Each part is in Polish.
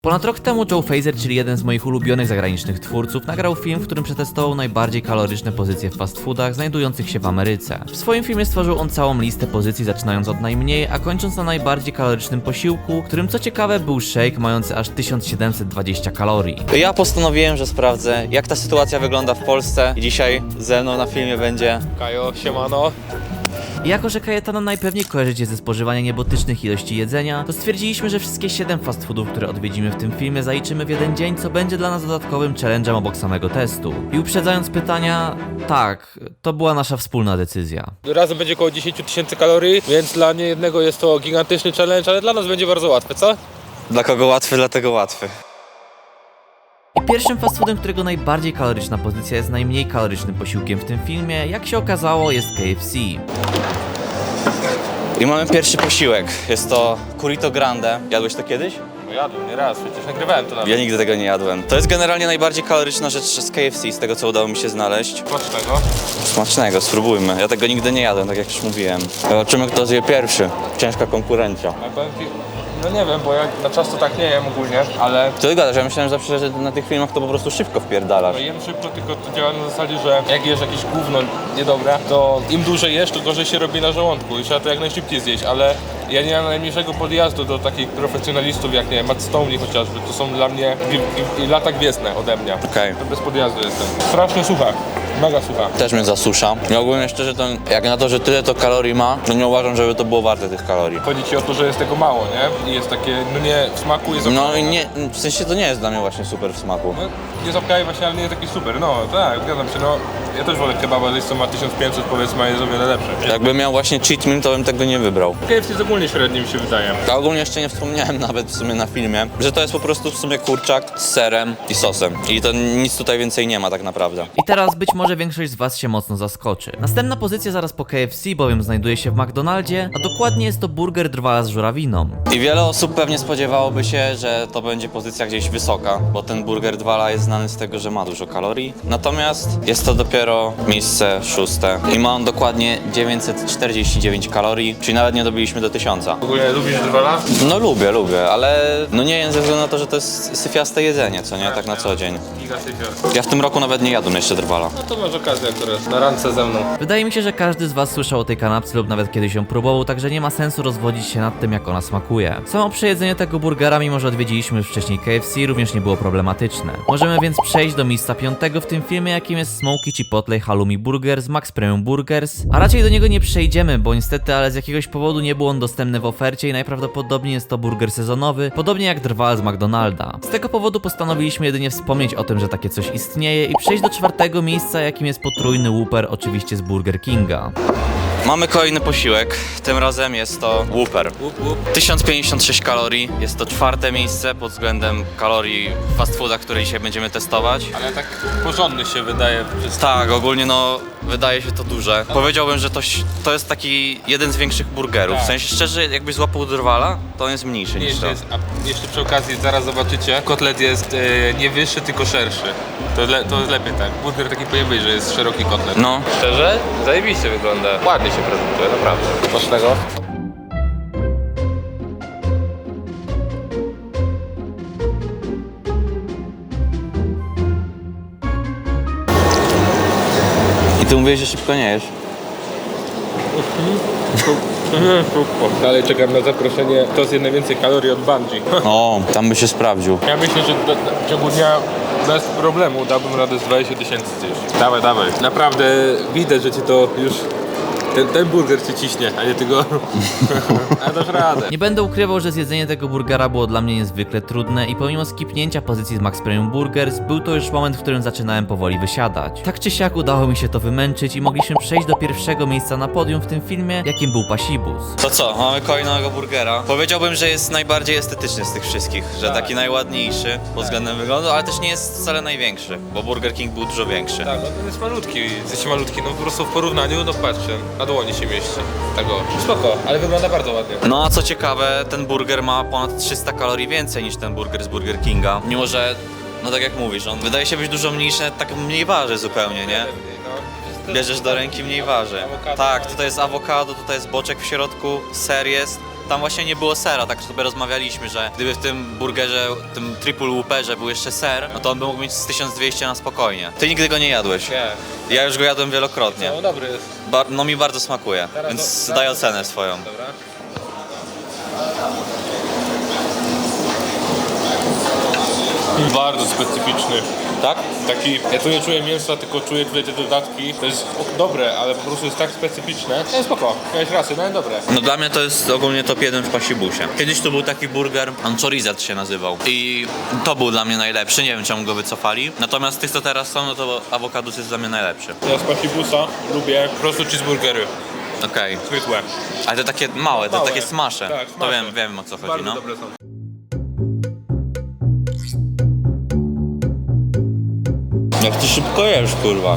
Ponad rok temu Joe Frazier, czyli jeden z moich ulubionych zagranicznych twórców, nagrał film, w którym przetestował najbardziej kaloryczne pozycje w fast foodach znajdujących się w Ameryce. W swoim filmie stworzył on całą listę pozycji, zaczynając od najmniej, a kończąc na najbardziej kalorycznym posiłku, którym co ciekawe był shake mający aż 1720 kalorii. Ja postanowiłem, że sprawdzę, jak ta sytuacja wygląda w Polsce i dzisiaj ze mną na filmie będzie Kajo, siemano. I jako, że Kajetana najpewniej kojarzycie ze spożywania niebotycznych ilości jedzenia, to stwierdziliśmy, że wszystkie 7 fast foodów, które odwiedzimy w tym filmie, zaliczymy w jeden dzień, co będzie dla nas dodatkowym challenge'em obok samego testu. I uprzedzając pytania, tak, to była nasza wspólna decyzja. Razem będzie około 10 000 kalorii, więc dla niejednego jest to gigantyczny challenge, ale dla nas będzie bardzo łatwe, co? dla kogo łatwy, dlatego łatwy. I pierwszym fast foodem, którego najbardziej kaloryczna pozycja jest najmniej kalorycznym posiłkiem w tym filmie, jak się okazało, jest KFC. I mamy pierwszy posiłek, jest to Currito Grande. Jadłeś to kiedyś? No jadłem nieraz, przecież nagrywałem to nawet. Ja nigdy tego nie jadłem. To jest generalnie najbardziej kaloryczna rzecz z KFC, z tego co udało mi się znaleźć. Smacznego. Smacznego, spróbujmy. Ja tego nigdy nie jadłem, tak jak już mówiłem. Zobaczymy, kto zje pierwszy. Ciężka konkurencja. Ale powiem ci, no nie wiem, bo ja na czas to tak nie jem ogólnie, ale Co ty gadasz? Ja myślałem że zawsze, że na tych filmach to po prostu szybko wpierdalasz. no jem szybko, tylko to działa na zasadzie, że jak jesz jakieś gówno niedobre, to im dłużej jesz, to gorzej się robi na żołądku i trzeba to jak najszybciej zjeść, ale ja nie mam najmniejszego podjazdu do takich profesjonalistów jak, nie wiem, Matt Stoney chociażby, to są dla mnie lata gwiezdne ode mnie. Okej. To bez podjazdu jestem. Strasznie sucha, mega sucha. Też mnie zasusza. Ja ogólnie szczerze to, jak na to, że tyle to kalorii ma, to nie uważam, żeby to było warte tych kalorii. Chodzi ci o to, że jest tego mało, nie? I jest takie, no nie, w smaku jest No i nie, w sensie to nie jest dla mnie właśnie super w smaku. no, jest okej właśnie, ale nie jest taki super. No tak, zgadzam się, no. Ja też wolę kebaba, że co ma 1500 powiedzmy, a jest o wiele lepszy. Jakbym miał właśnie cheat meal, to bym tego nie wybrał. KFC jest ogólnie średni mi się wydaje. A ogólnie jeszcze nie wspomniałem nawet w sumie na filmie, że to jest po prostu w sumie kurczak z serem i sosem. I to nic tutaj więcej nie ma tak naprawdę. I teraz być może większość z was się mocno zaskoczy. Następna pozycja zaraz po KFC, bowiem znajduje się w McDonaldzie, a dokładnie jest to burger drwala z żurawiną. I wiele osób pewnie spodziewałoby się, że to będzie pozycja gdzieś wysoka, bo ten burger Dwala jest znany z tego, że ma dużo kalorii. Natomiast jest to dopiero miejsce 6. I ma on dokładnie 949 kalorii, czyli nawet nie dobiliśmy do 1000. W ogóle lubisz drwala? No lubię, ale no nie jem ze względu na to, że to jest syfiaste jedzenie, co nie? Tak na co dzień. Giga syfior. Ja w tym roku nawet nie jadłem jeszcze Drwala. No to masz okazję akurat, na randce ze mną. Wydaje mi się, że każdy z was słyszał o tej kanapce lub nawet kiedyś ją próbował, także nie ma sensu rozwodzić się nad tym, jak ona smakuje. Samo przejedzenie tego burgera, mimo że odwiedziliśmy już wcześniej KFC, również nie było problematyczne. Możemy więc przejść do miejsca 5 w tym filmie, jakim jest Smoky Chipotle Halloumi Burger z Max Premium Burgers, a raczej do niego nie przejdziemy, bo niestety, ale z jakiegoś powodu nie był on dostępny w ofercie i najprawdopodobniej jest to burger sezonowy, podobnie jak drwal z McDonalda. Z tego powodu postanowiliśmy jedynie wspomnieć o tym, że takie coś istnieje i przejść do 4 miejsca, jakim jest potrójny Whopper, oczywiście z Burger Kinga. Mamy kolejny posiłek, tym razem jest to Whopper. 1056 kalorii, jest to 4. miejsce pod względem kalorii w fast foodach, które dzisiaj będziemy testować. Ale tak porządny się wydaje. Tak, ogólnie no wydaje się to duże. Powiedziałbym, że to jest taki jeden z większych burgerów. W sensie szczerze, jakbyś złapał Drwala, to on jest mniejszy niż to. A jeszcze przy okazji, zaraz zobaczycie, kotlet jest nie wyższy, tylko szerszy. To jest lepiej tak. Burger taki pojedynczowy, że jest szeroki kotlet. No. Szczerze? Zajebiście wygląda. Ładnie się prezentuje, naprawdę. Smacznego. I ty mówiłeś, że szybko nie jesz. Dalej czekam na zaproszenie. To zje najwięcej kalorii od Bungie. O, tam by się sprawdził. Ja myślę, że w ciągu dnia bez problemu dałbym radę z 20 000 zjeść. Dawaj, dawaj. Naprawdę widać, że ci to już... Ten burger cię ciśnie, a nie tego. A dasz radę. Nie będę ukrywał, że zjedzenie tego burgera było dla mnie niezwykle trudne i pomimo skipnięcia pozycji z Max Premium Burgers, był to już moment, w którym zaczynałem powoli wysiadać. Tak czy siak udało mi się to wymęczyć i mogliśmy przejść do pierwszego miejsca na podium w tym filmie, jakim był Pasibus. To co, mamy kolejnego burgera. Powiedziałbym, że jest najbardziej estetyczny z tych wszystkich, że Tak. taki najładniejszy pod względem wyglądu, ale też nie jest wcale największy, bo Burger King był dużo większy. Tak, no ten jest malutki. Jest malutki, no po prostu w porównaniu, no patrzcie, na dłoni się mieści. Tego. Spoko, ale wygląda bardzo ładnie. No a co ciekawe, ten burger ma ponad 300 kalorii więcej niż ten burger z Burger Kinga. Mimo że, no tak jak mówisz, on wydaje się być dużo mniejszy, tak mniej waży zupełnie, nie? Bierzesz do ręki, mniej waży. Awokado, Tak, no. tutaj jest awokado, tutaj jest boczek w środku, ser jest. tam właśnie nie było sera, tak sobie rozmawialiśmy, że gdyby w tym burgerze, tym triple whopperze był jeszcze ser, no to on by mógł mieć z 1200 na spokojnie. Ty nigdy go nie jadłeś. Nie. Ja już go jadłem wielokrotnie. No dobry jest. No mi bardzo smakuje, Teraz więc do- daj ocenę swoją. Dobra. Bardzo specyficzny. Tak? Taki, ja tu nie czuję mięsa, tylko czuję tutaj te dodatki. To jest dobre, ale po prostu jest tak specyficzne. No spoko, miałeś rację, no dobre. No dla mnie to jest ogólnie top 1 w pasibusie. Kiedyś tu był taki burger, Anchorizat się nazywał. I to był dla mnie najlepszy, nie wiem czemu go wycofali. Natomiast z tych co teraz są, no to awokadus jest dla mnie najlepszy. Ja z pasibusa lubię po prostu cheeseburgery. Okej. Zwykłe. Ale te takie małe, te Małe. takie smasze. Tak, To smasze. wiem o co chodzi, Bardzo no. dobre są. Jak ty szybko jesz, kurwa.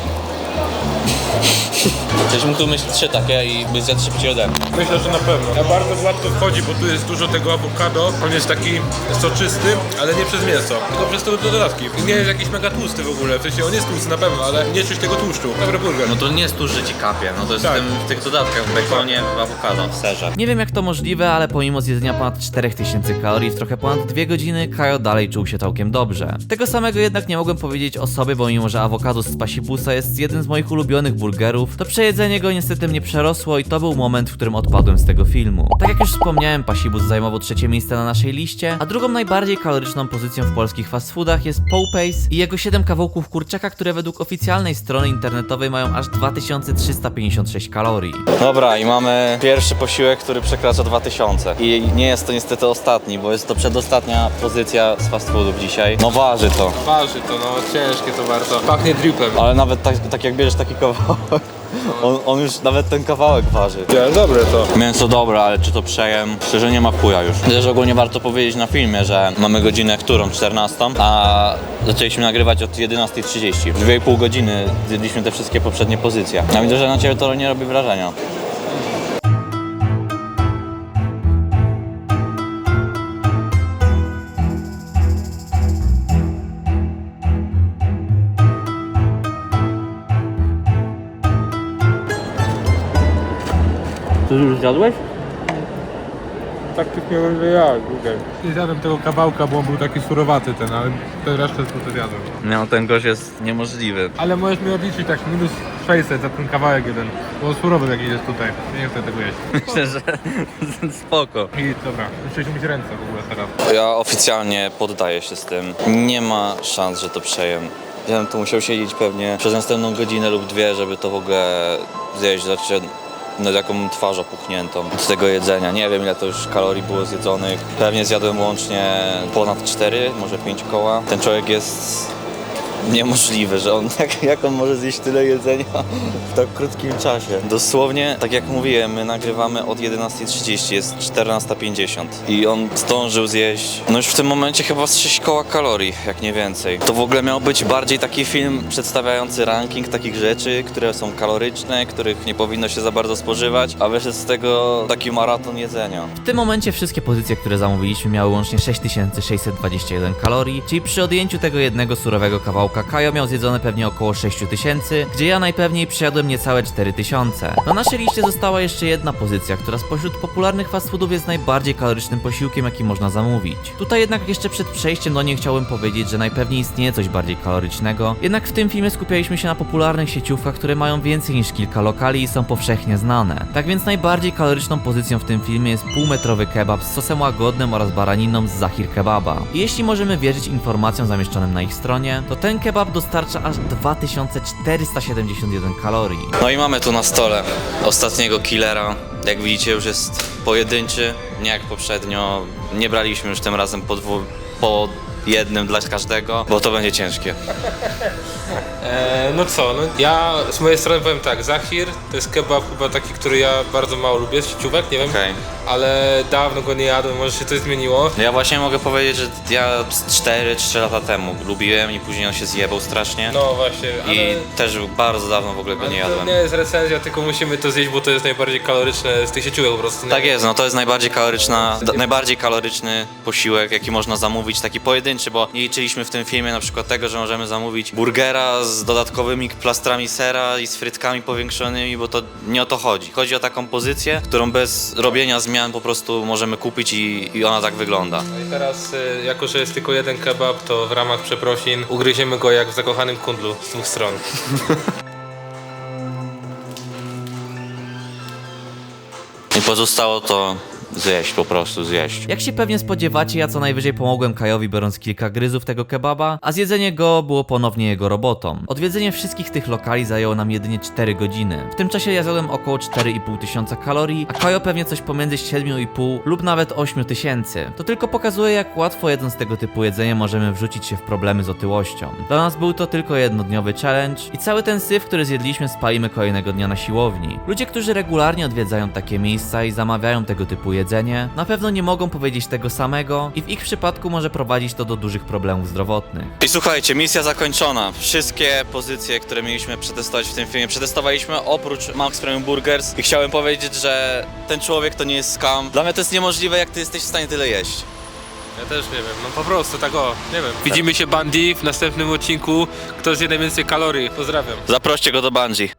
Przecież mógł tu mieć 3 takie i by zjadł szybciej ode mnie. Myślę, że na pewno. Ja bardzo gładko wchodzi, bo tu jest dużo tego awokado. On jest taki soczysty, ale nie przez mięso, tylko przez te dodatki. I nie jest jakiś mega tłusty w ogóle. W sensie on jest tłusty na pewno, ale nie czuć tego tłuszczu. Dobry burger. No to nie jest tu, że ci kapie, no to jest Tak. w tych dodatkach, w bekonie, w awokado, w serze. Nie wiem jak to możliwe, ale pomimo zjedzenia ponad 4000 kalorii w trochę ponad 2 godziny, Kajo dalej czuł się całkiem dobrze. Tego samego jednak nie mogłem powiedzieć o sobie, bo mimo że awokadus z pasibusa jest jednym z moich ulubionych burgerów, to przejedzenie go niestety mnie przerosło i to był moment, w którym odpadłem z tego filmu. Tak jak już wspomniałem, pasibus zajmował 3. miejsce na naszej liście, a drugą najbardziej kaloryczną pozycją w polskich fast foodach jest Popeyes i jego 7 kawałków kurczaka, które według oficjalnej strony internetowej mają aż 2356 kalorii. Dobra, i mamy pierwszy posiłek, który przekracza 2000. I nie jest to niestety ostatni, bo jest to przedostatnia pozycja z fast foodów dzisiaj. No waży to. Waży to, no ciężkie to bardzo. Pachnie dripem. Ale nawet tak jak bierzesz taki kawałek, on już nawet ten kawałek waży. Ja, dobre to. Mięso dobre, ale czy to przejem? Szczerze nie ma chuja już. Też ogólnie warto powiedzieć na filmie, że mamy godzinę którą? 14, a zaczęliśmy nagrywać od 11:30. W 2,5 godziny zjedliśmy te wszystkie poprzednie pozycje. Ja widzę, że na ciebie to nie robi wrażenia. Ty już zjadłeś? Tak tych miałem, że ja, okej. Nie zjadłem tego kawałka, bo on był taki surowaty ten, ale ten resztę to zjadłem. No ten gość jest niemożliwy. Ale możesz mi odliczyć tak minus 600 za ten kawałek jeden, bo surowy jakiś jest tutaj. Nie chcę tego jeść. Myślę, że spoko. I dobra, muszę mieć ręce w ogóle teraz. Ja oficjalnie poddaję się z tym. Nie ma szans, że to przejem. Ja bym tu musiał siedzieć pewnie przez następną godzinę lub 2, żeby to w ogóle zjeść. Znaczy, no jaką twarz opuchniętą z tego jedzenia. Nie wiem ile to już kalorii było zjedzonych. Pewnie zjadłem łącznie ponad 4, może 5 koła. Ten człowiek jest niemożliwy, że on jak on może zjeść tyle jedzenia w tak krótkim czasie. Dosłownie, tak jak mówiłem, my nagrywamy od 11:30, jest 14:50 i on zdążył zjeść, no już w tym momencie chyba z 6 koła kalorii, jak nie więcej. To w ogóle miał być bardziej taki film przedstawiający ranking takich rzeczy, które są kaloryczne, których nie powinno się za bardzo spożywać, a wyszedł z tego taki maraton jedzenia. W tym momencie wszystkie pozycje, które zamówiliśmy, miały łącznie 6621 kalorii, czyli przy odjęciu tego jednego surowego kawałka Kajo miał zjedzone pewnie około 6000, gdzie ja najpewniej przyjadłem niecałe 4000. Na naszej liście została jeszcze jedna pozycja, która spośród popularnych fast foodów jest najbardziej kalorycznym posiłkiem, jaki można zamówić. Tutaj jednak jeszcze przed przejściem do niej chciałbym powiedzieć, że najpewniej istnieje coś bardziej kalorycznego, jednak w tym filmie skupialiśmy się na popularnych sieciówkach, które mają więcej niż kilka lokali i są powszechnie znane. Tak więc najbardziej kaloryczną pozycją w tym filmie jest półmetrowy kebab z sosem łagodnym oraz baraniną z Zahir Kebaba. I jeśli możemy wierzyć informacjom zamieszczonym na ich stronie, to ten kebab dostarcza aż 2471 kalorii. No i mamy tu na stole ostatniego killera. Jak widzicie już jest pojedynczy, nie jak poprzednio. Nie braliśmy już tym razem po jednym dla każdego, bo to będzie ciężkie. No co, no ja z mojej strony powiem tak, Zahir to jest kebab chyba taki, który ja bardzo mało lubię, z sieciówek, nie wiem, Okej. ale dawno go nie jadłem, może się coś zmieniło. Ja właśnie mogę powiedzieć, że ja 4-3 lata temu lubiłem i później on się zjebał strasznie. No właśnie, ale... I też bardzo dawno w ogóle go nie ale to jadłem. nie jest recenzja, tylko musimy to zjeść, bo to jest najbardziej kaloryczne z tych sieciówek po prostu. Nie? Tak jest, no to jest najbardziej kaloryczny posiłek, jaki można zamówić, taki pojedynczy, bo nie liczyliśmy w tym filmie na przykład tego, że możemy zamówić burgera burgera z dodatkowymi plastrami sera i z frytkami powiększonymi, bo to nie o to chodzi. Chodzi o taką pozycję, którą bez robienia zmian po prostu możemy kupić i ona tak wygląda. No i teraz, jako że jest tylko jeden kebab, to w ramach przeprosin ugryziemy go jak w zakochanym kundlu z dwóch stron. I pozostało to zjeść, po prostu zjeść. Jak się pewnie spodziewacie, ja co najwyżej pomogłem Kajowi, biorąc kilka gryzów tego kebaba, a zjedzenie go było ponownie jego robotą. Odwiedzenie wszystkich tych lokali zajęło nam jedynie 4 godziny. W tym czasie ja zjadłem około 4,5 tysiąca kalorii, a Kajo pewnie coś pomiędzy 7,5 lub nawet 8 tysięcy. To tylko pokazuje, jak łatwo jedząc tego typu jedzenie możemy wrzucić się w problemy z otyłością. Dla nas był to tylko jednodniowy challenge i cały ten syf, który zjedliśmy, spalimy kolejnego dnia na siłowni. Ludzie, którzy regularnie odwiedzają takie miejsca i zamawiają tego typu jedzenie, na pewno nie mogą powiedzieć tego samego i w ich przypadku może prowadzić to do dużych problemów zdrowotnych. I słuchajcie, misja zakończona. Wszystkie pozycje, które mieliśmy przetestować w tym filmie, przetestowaliśmy oprócz Max Premium Burgers i chciałem powiedzieć, że ten człowiek to nie jest scam. Dla mnie to jest niemożliwe, jak ty jesteś w stanie tyle jeść. Ja też nie wiem, no po prostu tak o, nie wiem. Widzimy się Bandy w następnym odcinku, kto zje najwięcej kalorii. Pozdrawiam. Zaproście go do Bungie.